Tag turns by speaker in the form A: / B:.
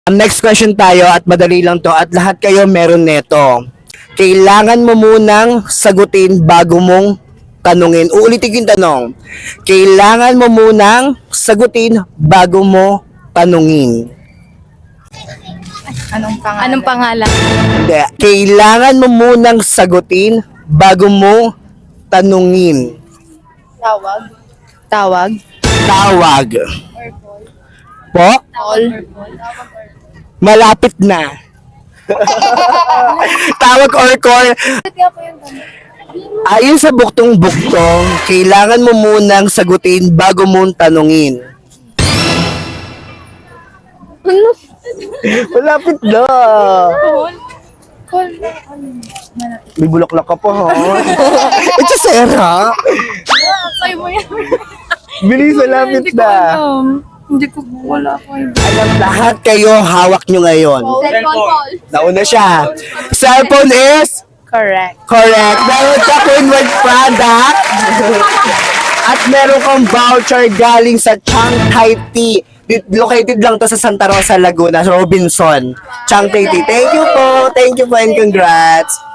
A: Next question tayo at madali lang to at lahat kayo meron neto. Kailangan mo munang sagutin bago mong tanungin. Uulitin ko yung tanong. Kailangan mo munang sagutin bago mo tanungin.
B: Anong pangalan?
A: Hindi. Kailangan mo munang sagutin bago mo tanungin.
B: Tawag?
A: Tawag. Po?
B: Call?
A: Malapit na. Tawag or call. Ayon sa buktong-buktong, kailangan mo munang sagutin bago mong tanungin. Malapit na. May bulaklak ka pa, ha? Ito, Sarah.
B: Say mo yan.
A: Bilis, malapit na.
B: Hindi ko wala ko.
A: Alam lahat kayo, hawak nyo ngayon.
B: Cellphone.
A: Nauna siya. Cellphone is?
B: Correct.
A: Correct. Meron ka Queenward product. At meron kang voucher galing sa Chang Thai Tea. Located lang to sa Santa Rosa, Laguna, sa Robinson. Chang Thai Tea. Thank you po and congrats.